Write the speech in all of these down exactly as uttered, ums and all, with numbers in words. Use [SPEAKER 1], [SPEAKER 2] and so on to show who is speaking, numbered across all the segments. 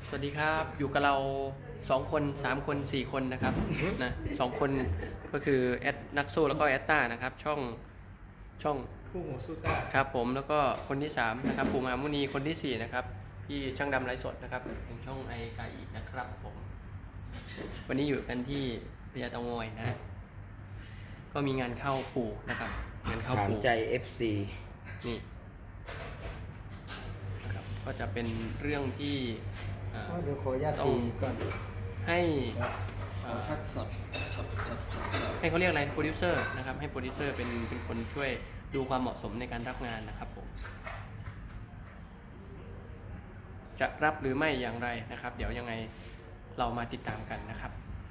[SPEAKER 1] สวัสดีครับอยู่กับเราสองคนสามคนสี่คนนะครับนะสองคนก็คือแอดนักสู้แล้วก็แอดต้านะครับช่องช่อง
[SPEAKER 2] คู่หูสู้ต้า
[SPEAKER 1] ครับผมแล้วก็คนที่สามนะครับปู่มหามุนีคนที่สี่นะครับพี่ช่างดำไร้สดนะครับเป็นช่องไอกาอีนะครับผมวันนี้อยู่กันที่พญาเตางอยนะก็มีงานเข้าปู่นะครับงานเข้า
[SPEAKER 3] ถาม
[SPEAKER 1] ปู่
[SPEAKER 3] ใจ เอฟ ซี
[SPEAKER 1] นี่นะครับก็จะเป็นเรื่องที่อ่า
[SPEAKER 2] เดี๋ยวขออนุญาต
[SPEAKER 1] ต้อ
[SPEAKER 2] ดู
[SPEAKER 1] ง
[SPEAKER 2] ก่อน
[SPEAKER 1] ให้เอ่อ
[SPEAKER 2] ชัดสดชัดชัดชัดชัด
[SPEAKER 1] ให้เขาเรียกอะไรโปรดิวเซอร์นะครับให้โปรดิวเซอร์เป็นเป็นคนช่วยดูความเหมาะสมในการรับงานนะครับผมจะรับหรือไม่อย่างไรนะครับ เดี๋ยวยังไงเรามาติดตามกันนะครับ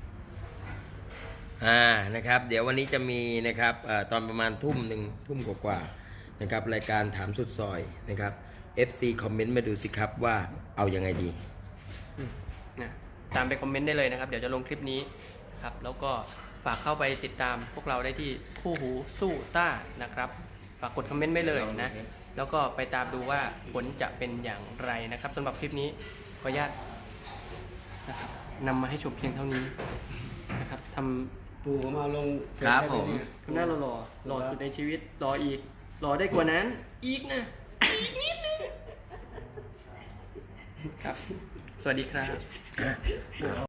[SPEAKER 3] อ่านะครับ เดี๋ยววันนี้จะมีนะครับเอ่อตอนประมาณทุ่มหนึ่งทุ่มกว่าๆนะครับรายการถามสุดซอยนะครับ เอฟ ซี คอมเมนต์มาดูสิครับว่าเอายังไงดี
[SPEAKER 1] นะตามไปคอมเมนต์ได้เลยนะครับเดี๋ยวจะลงคลิปนี้นะครับแล้วก็ฝากเข้าไปติดตามพวกเราได้ที่คู่หูสู้ต้านะครับฝากกดคอมเมนต์ไว้เลยนะแล้วก็ไปตามดูว่าผลจะเป็นอย่างไรนะครับสำหรับคลิปนี้ขออนุญาตนะครับนำมาให้ชมเพียงเท่านี้นะครับท
[SPEAKER 2] ปู่ผมเอาลง
[SPEAKER 3] ครับผม
[SPEAKER 1] ำทำหน้าหล่อๆหล่อสุดในชีวิตหล่ออีกหล่อได้กว่านั้นอีกนะอีกนิดนึงครับสวัสดีครับ